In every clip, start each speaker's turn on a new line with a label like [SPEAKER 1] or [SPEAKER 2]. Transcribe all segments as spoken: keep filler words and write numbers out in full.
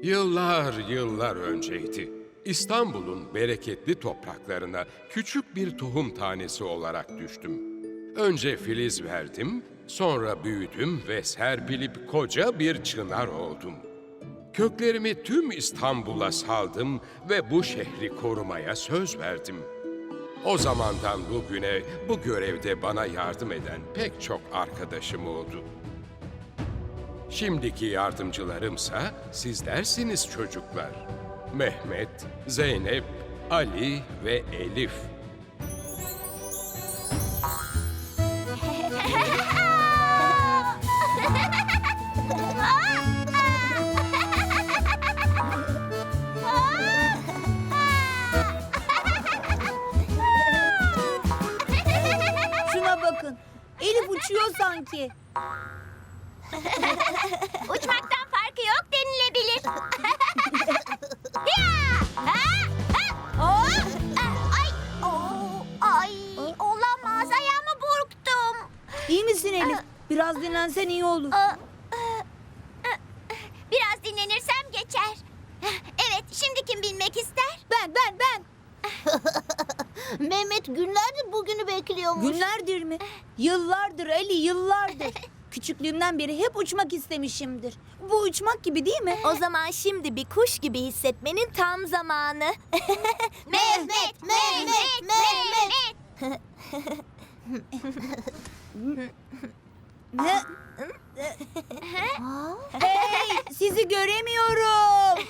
[SPEAKER 1] Yıllar yıllar önceydi. İstanbul'un bereketli topraklarına küçük bir tohum tanesi olarak düştüm. Önce filiz verdim, sonra büyüdüm ve serpilip koca bir çınar oldum. Köklerimi tüm İstanbul'a saldım ve bu şehri korumaya söz verdim. O zamandan bugüne bu görevde bana yardım eden pek çok arkadaşım oldu. Şimdiki yardımcılarımsa sizlersiniz çocuklar. Mehmet, Zeynep, Ali ve Elif.
[SPEAKER 2] Şuna bakın. Elif uçuyor sanki.
[SPEAKER 3] Uçmaktan farkı yok denilebilir. Ya! Ha! Ha! Oh! Ay! Oo! Ay! Olamaz. Ayağımı burktum.
[SPEAKER 2] İyi misin Elif? Biraz dinlensen iyi olur.
[SPEAKER 3] Aa, Biraz dinlenirsem geçer. Evet, şimdi kim bilmek ister?
[SPEAKER 2] Ben, ben, ben.
[SPEAKER 3] Mehmet günlerdir bugünü bekliyormuş.
[SPEAKER 2] Günlerdir mi? Yıllardır Ali, yıllardır. Küçüklüğümden beri hep uçmak istemişimdir. Bu uçmak gibi değil mi?
[SPEAKER 4] O zaman şimdi bir kuş gibi hissetmenin tam zamanı.
[SPEAKER 3] Mehmet, Mehmet, Mehmet.
[SPEAKER 2] Ne? Hey, sizi göremiyorum.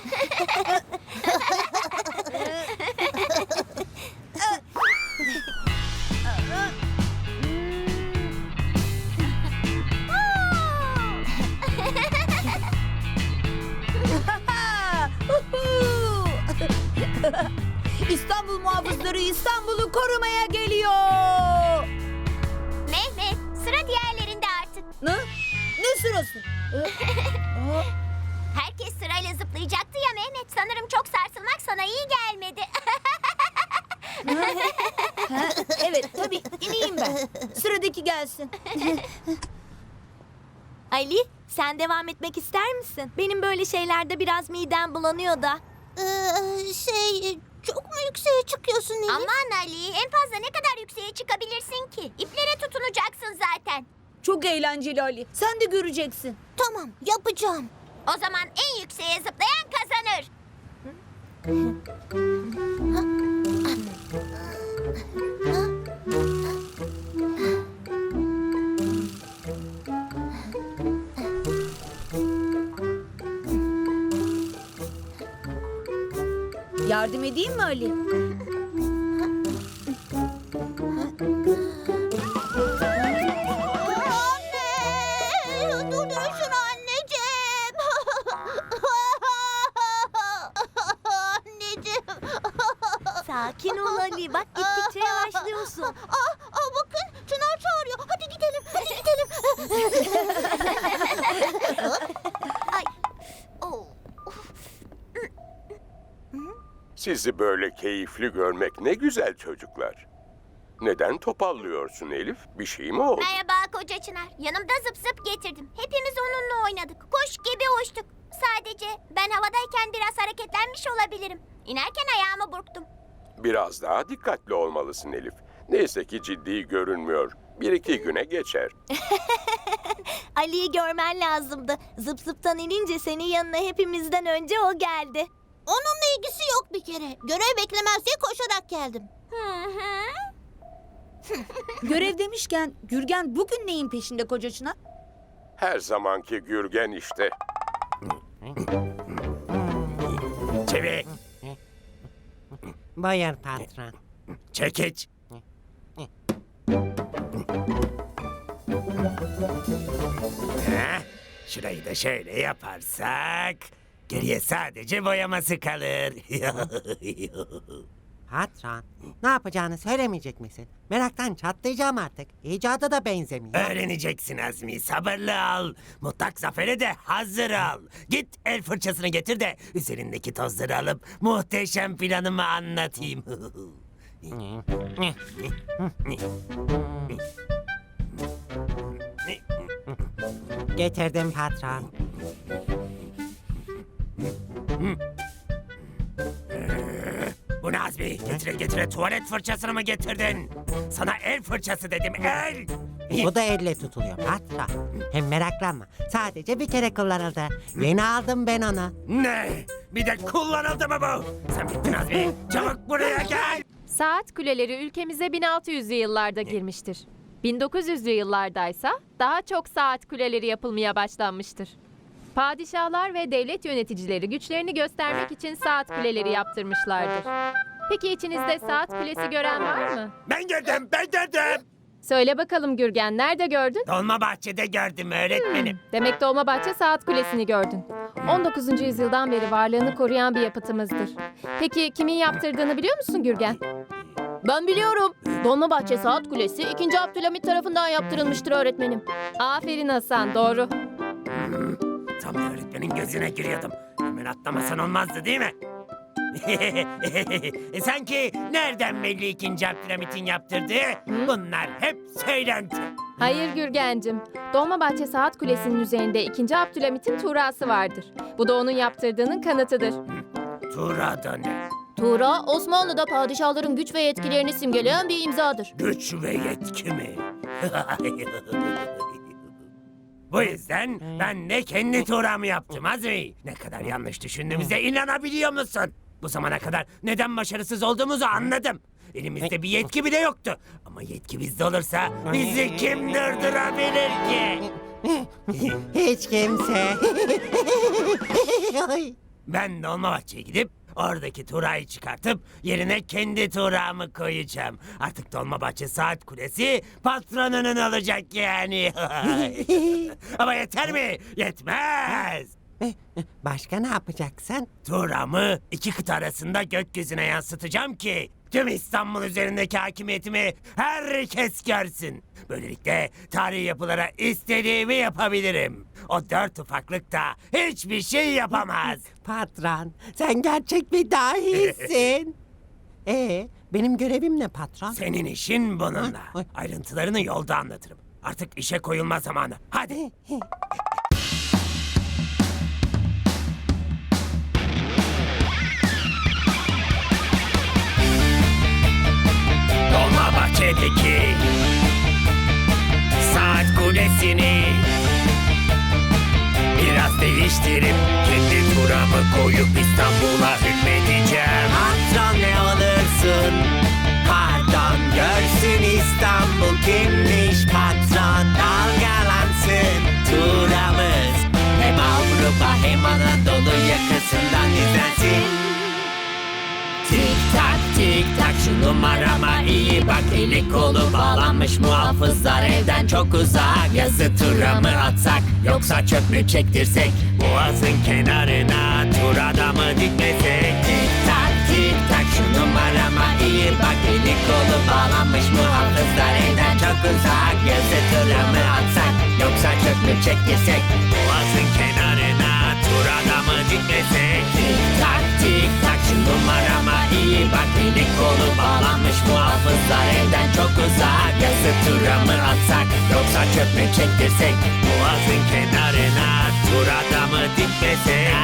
[SPEAKER 2] İstanbul muhafızları İstanbul'u korumaya geliyor.
[SPEAKER 3] Mehmet, sıra diğerlerinde artık.
[SPEAKER 2] Ne? Ne sırası?
[SPEAKER 3] Herkes sırayla zıplayacaktı ya Mehmet. Sanırım çok sarsılmak sana iyi gelmedi.
[SPEAKER 2] Ha, evet tabii ineyim ben. Sıradaki gelsin.
[SPEAKER 4] Ali, sen devam etmek ister misin? Benim böyle şeylerde biraz midem bulanıyor da.
[SPEAKER 3] Ee, şey, çok mu yükseğe çıkıyorsun Elif? Aman Ali, en fazla ne kadar yükseğe çıkabilirsin ki? İplere tutunacaksın zaten.
[SPEAKER 2] Çok eğlenceli Ali. Sen de göreceksin.
[SPEAKER 3] Tamam, yapacağım. O zaman en yükseğe zıplayan kazanır.
[SPEAKER 2] Yardım edeyim mi Ali?
[SPEAKER 3] Anne! Durdurun anneciğim! Anneciğim!
[SPEAKER 4] Sakin ol Ali, bak gittikçe yavaşlıyorsun.
[SPEAKER 3] Aa, aa, bakın Çınar çağırıyor. Hadi gidelim, hadi gidelim. Ay. Oh.
[SPEAKER 1] Sizi böyle keyifli görmek ne güzel çocuklar. Neden topallıyorsun Elif? Bir şey mi oldu?
[SPEAKER 3] Merhaba koca Çınar. Yanımda zıp zıp getirdim. Hepimiz onunla oynadık. Kuş gibi uçtuk. Sadece ben havadayken biraz hareketlenmiş olabilirim. İnerken ayağımı burktum.
[SPEAKER 1] Biraz daha dikkatli olmalısın Elif. Neyse ki ciddi görünmüyor. Bir iki güne geçer.
[SPEAKER 4] Ali'yi görmen lazımdı. Zıp zıptan inince senin yanına hepimizden önce o geldi.
[SPEAKER 3] Onunla ilgisi yok bir kere. Görev beklemez diye koşarak geldim. Hı hı.
[SPEAKER 2] Görev demişken Gürgen bugün neyin peşinde koca Çınar?
[SPEAKER 1] Her zamanki Gürgen işte.
[SPEAKER 5] Çevik,
[SPEAKER 6] Buyur patron.
[SPEAKER 5] çekiç. Heh, şurayı da şöyle yaparsak geriye sadece boyaması kalır.
[SPEAKER 6] Patron, ne yapacağını söylemeyecek misin? Meraktan çatlayacağım artık. İcada da benzemiyor.
[SPEAKER 5] Öğreneceksin Azmi, sabırlı ol. Mutlak zafere de hazır ol. Git el fırçasını getir de üzerindeki tozları alıp muhteşem planımı anlatayım.
[SPEAKER 6] Getirdim patron.
[SPEAKER 5] Bu ne Azmi? Getire getire tuvalet fırçasını mı getirdin? Sana el fırçası dedim, el!
[SPEAKER 6] Bu da elle tutuluyor patron. Hem meraklanma. Sadece bir kere kullanıldı. Yeni aldım ben onu.
[SPEAKER 5] Ne? Bir de kullanıldı mı bu? Sen bittin Azmi. Çabuk buraya gel.
[SPEAKER 7] Saat kuleleri ülkemize bin altı yüzlü yıllarda girmiştir. bin dokuz yüzlü yıllardaysa daha çok saat kuleleri yapılmaya başlanmıştır. Padişahlar ve devlet yöneticileri güçlerini göstermek için saat kuleleri yaptırmışlardır. Peki içinizde saat kulesi gören var mı?
[SPEAKER 5] Ben gördüm, ben gördüm.
[SPEAKER 7] Söyle bakalım Gürgen, nerede gördün?
[SPEAKER 5] Dolmabahçe'de gördüm öğretmenim.
[SPEAKER 7] Demek Dolmabahçe Saat Kulesi'ni gördün. on dokuzuncu yüzyıldan beri varlığını koruyan bir yapıtımızdır. Peki kimin yaptırdığını biliyor musun Gürgen? Ben biliyorum. Dolmabahçe Saat Kulesi ikinci. Abdülhamit tarafından yaptırılmıştır öğretmenim. Aferin Hasan, doğru.
[SPEAKER 5] Tam da öğretmenin gözüne giriyordum. Hemen atlamasan olmazdı değil mi? E, Sanki nereden belli ikinci Abdülhamit'in yaptırdığı? Bunlar hep söylenti.
[SPEAKER 7] Hayır Gürgencim. Dolmabahçe Saat Kulesi'nin üzerinde ikinci. Abdülhamit'in tuğrası vardır. Bu da onun yaptırdığının kanıtıdır.
[SPEAKER 5] Tuğra da ne?
[SPEAKER 7] Tuğra, Osmanlı'da padişahların güç ve yetkilerini simgeleyen bir imzadır.
[SPEAKER 5] Güç ve yetki mi? Bu yüzden ben de kendi tuğramı yaptım Azmi. Ne kadar yanlış düşündüğümüze inanabiliyor musun? Bu zamana kadar neden başarısız olduğumuzu anladım. Elimizde bir yetki bile yoktu. Ama yetki bizde olursa bizi kim durdurabilir ki?
[SPEAKER 6] Hiç kimse. Ay.
[SPEAKER 5] Ben Dolmabahçe'ye gidip oradaki tuğrayı çıkartıp yerine kendi tuğramı koyacağım. Artık Dolmabahçe Saat Kulesi patronunun olacak yani. Ama yeter mi? Yetmez.
[SPEAKER 6] Başka ne yapacaksın?
[SPEAKER 5] Tuğramı iki kıta arasında gökyüzüne yansıtacağım ki tüm İstanbul üzerindeki hakimiyetimi herkes görsün. Böylelikle tarihi yapılara istediğimi yapabilirim. O dört ufaklık da hiçbir şey yapamaz.
[SPEAKER 6] Patron, sen gerçek bir dahisin. Ee, benim görevim ne patron?
[SPEAKER 5] Senin işin bununla.
[SPEAKER 6] Ay.
[SPEAKER 5] Ayrıntılarını yolda anlatırım. Artık işe koyulma zamanı. Hadi. Dolmabahçe'deki saat kulesini biraz değiştirip kendi turamı koyup İstanbul'a hükmedeceğim.
[SPEAKER 6] Patron ne olursun? Pardon, görsün İstanbul kimmiş patron. Dalgalansın turamız. Hem Avrupa hem Anadolu yakasından izlensin. Tik tak tik tak şu numarama iyi bak. Eli kolu bağlanmış muhafızlar evden çok uzak. Yazı tura mı atsak yoksa çöp mü çektirsek?
[SPEAKER 5] Boğazın kenarına tur adamı dikmesek.
[SPEAKER 6] Tik tak tik tak şu numarama iyi bak. Eli kolu bağlanmış muhafızlar evden çok uzak. Yazı tura mı atsak yoksa çöp mü çektirsek?
[SPEAKER 5] Boğazın kenarına tur adamı dikmesek.
[SPEAKER 6] Tik tak tik tak şu numarama iyi bak. Eli kolu bağlanmış muhafızlar evden çok uzak. Yazı tura mı atsak yoksa çöp mü çektirsek?
[SPEAKER 5] Boğazın kenarına tur adamı dikmesek.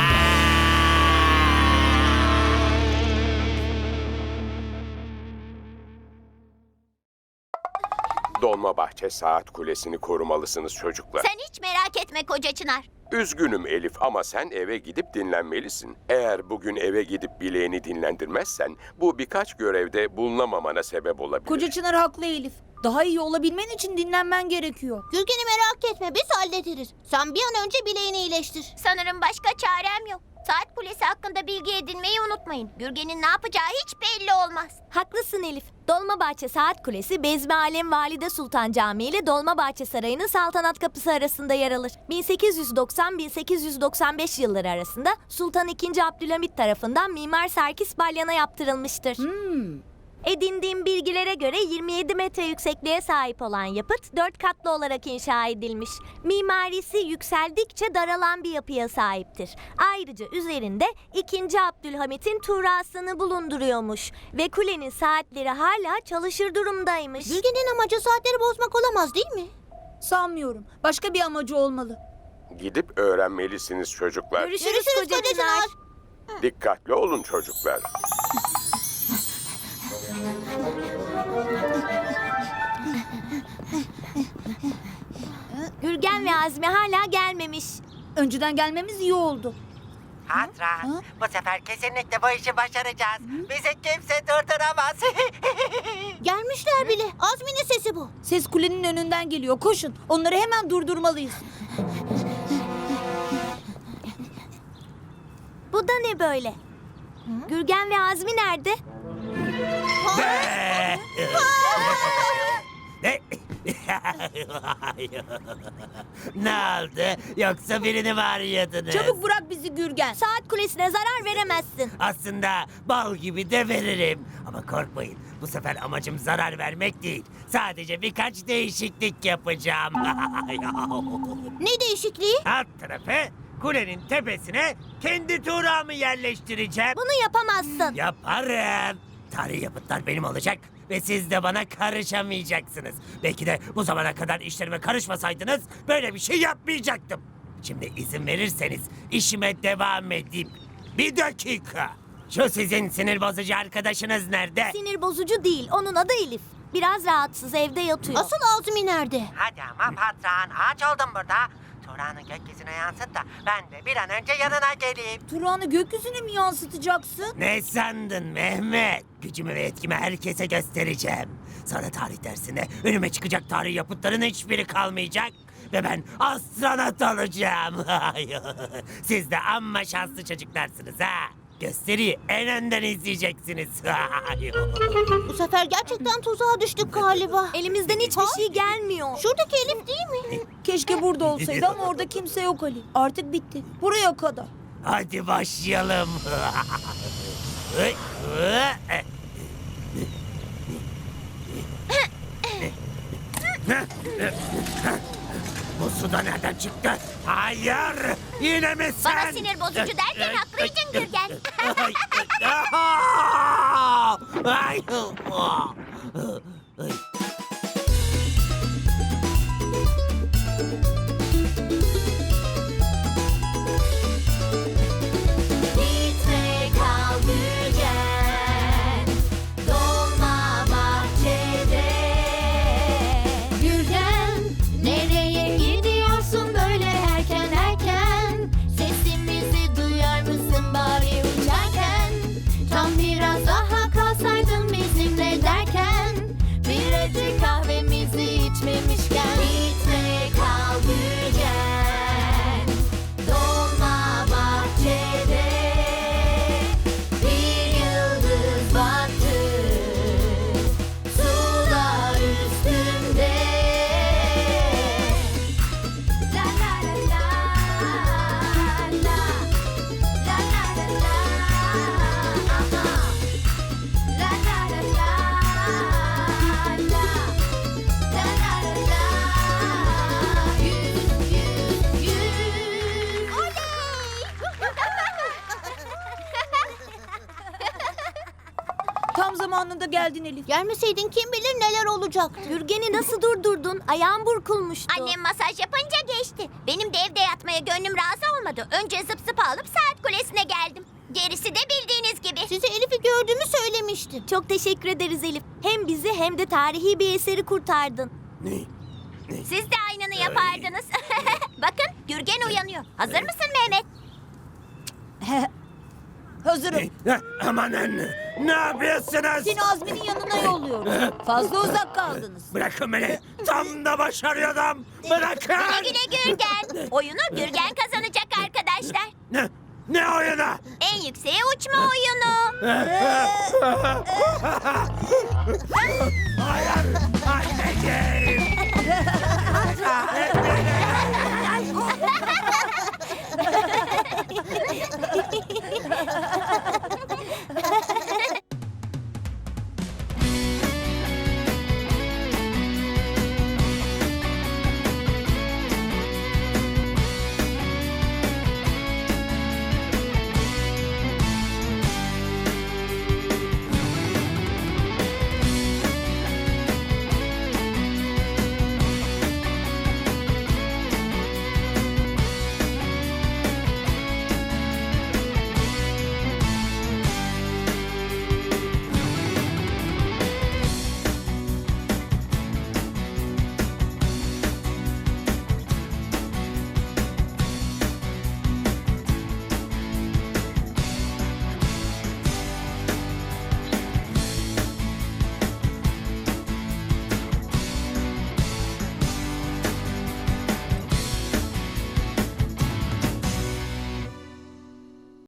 [SPEAKER 1] Dolmabahçe Saat Kulesi'ni korumalısınız çocuklar.
[SPEAKER 3] Sen hiç merak etme koca Çınar.
[SPEAKER 1] Üzgünüm Elif ama sen eve gidip dinlenmelisin. Eğer bugün eve gidip bileğini dinlendirmezsen bu birkaç görevde bulunamamana sebep olabilir.
[SPEAKER 2] Koca Çınar haklı Elif. Daha iyi olabilmen için dinlenmen gerekiyor.
[SPEAKER 4] Gürgen'i merak etme, biz hallederiz. Sen bir an önce bileğini iyileştir.
[SPEAKER 3] Sanırım başka çarem yok. Saat kulesi hakkında bilgi edinmeyi unutmayın. Gürgen'in ne yapacağı hiç belli olmaz.
[SPEAKER 4] Haklısın Elif. Dolmabahçe Saat Kulesi, Bezmi Alem Valide Sultan Camii ile Dolmabahçe Sarayı'nın saltanat kapısı arasında yer alır. bin sekiz yüz doksan - bin sekiz yüz doksan beş yılları arasında Sultan ikinci. Abdülhamit tarafından Mimar Serkis Balyan'a yaptırılmıştır.
[SPEAKER 2] Hmm.
[SPEAKER 4] Edindiğim bilgilere göre yirmi yedi metre yüksekliğe sahip olan yapıt dört katlı olarak inşa edilmiş. Mimarisi yükseldikçe daralan bir yapıya sahiptir. Ayrıca üzerinde ikinci. Abdülhamit'in tuğrasını bulunduruyormuş ve kulenin saatleri hala çalışır durumdaymış. Gürgen'in amacı saatleri bozmak olamaz değil mi?
[SPEAKER 2] Sanmıyorum. Başka bir amacı olmalı.
[SPEAKER 1] Gidip öğrenmelisiniz çocuklar.
[SPEAKER 4] Görüşürüz, koca Çınar.
[SPEAKER 1] Dikkatli olun çocuklar.
[SPEAKER 4] Gürgen ve Azmi hala gelmemiş.
[SPEAKER 2] Önceden gelmemiz iyi oldu.
[SPEAKER 6] Patron, bu sefer kesinlikle bu işi başaracağız. Bizi kimse durduramaz.
[SPEAKER 3] Gelmişler bile. Azmi'nin sesi bu.
[SPEAKER 2] Ses kulenin önünden geliyor. Koşun. Onları hemen durdurmalıyız.
[SPEAKER 4] Bu da ne böyle? Gürgen ve Azmi nerede?
[SPEAKER 5] Ne? Ne oldu? Yoksa birini mi arıyordunuz?
[SPEAKER 2] Çabuk bırak bizi Gürgen.
[SPEAKER 4] Saat kulesine zarar veremezsin.
[SPEAKER 5] Aslında bal gibi de veririm. Ama korkmayın. Bu sefer amacım zarar vermek değil. Sadece birkaç değişiklik yapacağım.
[SPEAKER 3] Ne değişikliği?
[SPEAKER 5] Alt tarafı kulenin tepesine kendi tuğramı yerleştireceğim.
[SPEAKER 4] Bunu yapamazsın.
[SPEAKER 5] Yaparım. Tarihi yapıtlar benim olacak ve siz de bana karışamayacaksınız. Belki de bu zamana kadar işlerime karışmasaydınız böyle bir şey yapmayacaktım. Şimdi izin verirseniz işime devam edeyim. Bir dakika. Şu sizin sinir bozucu arkadaşınız nerede?
[SPEAKER 4] Sinir bozucu değil. Onun adı Elif. Biraz rahatsız, evde yatıyor.
[SPEAKER 3] Asıl Azmi nerede?
[SPEAKER 6] Hadi ama patron, ağaç oldum burada. Turan'ı gökyüzüne yansıt da ben de bir an önce yanına geleyim.
[SPEAKER 2] Turan'ı gökyüzüne mi yansıtacaksın?
[SPEAKER 5] Ne sandın Mehmet? Gücümü ve etkimi herkese göstereceğim. Sonra tarih dersinde önüme çıkacak tarih yapıtların hiçbiri kalmayacak. Ve ben astronot olacağım. Siz de amma şanslı çocuklarsınız ha. Gösteriyi en önden izleyeceksiniz.
[SPEAKER 3] Bu sefer gerçekten tuzağa düştük galiba.
[SPEAKER 4] Elimizden hiçbir şey gelmiyor.
[SPEAKER 3] Şuradaki Elif değil mi?
[SPEAKER 2] Keşke burada olsaydı ama orada kimse yok Ali. Artık bitti. Buraya kadar.
[SPEAKER 5] Hadi başlayalım. Bu suda nereden çıktı? Hayır! Yine mi sen?
[SPEAKER 3] Bana sinir bozucu derken haklıydın Gürgen.
[SPEAKER 5] Ay, ay, ay.
[SPEAKER 3] Gitme kal Gürgen, dolma bahçede. Gürgen, nereye gidiyorsun böyle erken erken? Sesimizi duyar mısın bari uçarken? Tam biraz daha kalsaydın bizimle derken, bir acı kahvemizi içmemişken. Gitme kal Gürgen, dolma bahçede. Bir yıldız battı sular üstünde. La la la la la, la la la la, aha. La la la la la, la la la la. Yüz yüz yüz.
[SPEAKER 2] Tam zamanında geldin Elif.
[SPEAKER 3] Gelmeseydin kim bilir neler olacaktı.
[SPEAKER 4] Gürgen'i nasıl durdurdun? Ayağım burkulmuştu.
[SPEAKER 3] Annem masaj yapınca geçti. Benim de evde yatmaya gönlüm razı olmadı. Önce zıp zıp alıp saat kulesine geldim. Gerisi de bildiğiniz gibi. Size Elif'i gördüğümü söylemiştim.
[SPEAKER 4] Çok teşekkür ederiz Elif. Hem bizi hem de tarihi bir eseri kurtardın.
[SPEAKER 3] Siz de aynını yapardınız. Bakın Gürgen uyanıyor. Hazır mısın Mehmet?
[SPEAKER 2] Hazırım.
[SPEAKER 5] Amanın! Ne yapıyorsunuz?
[SPEAKER 2] Seni Azmi'nin yanına yolluyorum. Fazla uzak kaldınız.
[SPEAKER 5] Bırakın beni! Tam da başarıyordum! Bırakın!
[SPEAKER 3] Güle güle Gürgen. Oyunu Gürgen kazanacak arkadaşlar.
[SPEAKER 5] Ne? Ne oyunu?
[SPEAKER 3] En yükseğe uçma oyunu.
[SPEAKER 5] Hayır! Anneciğim!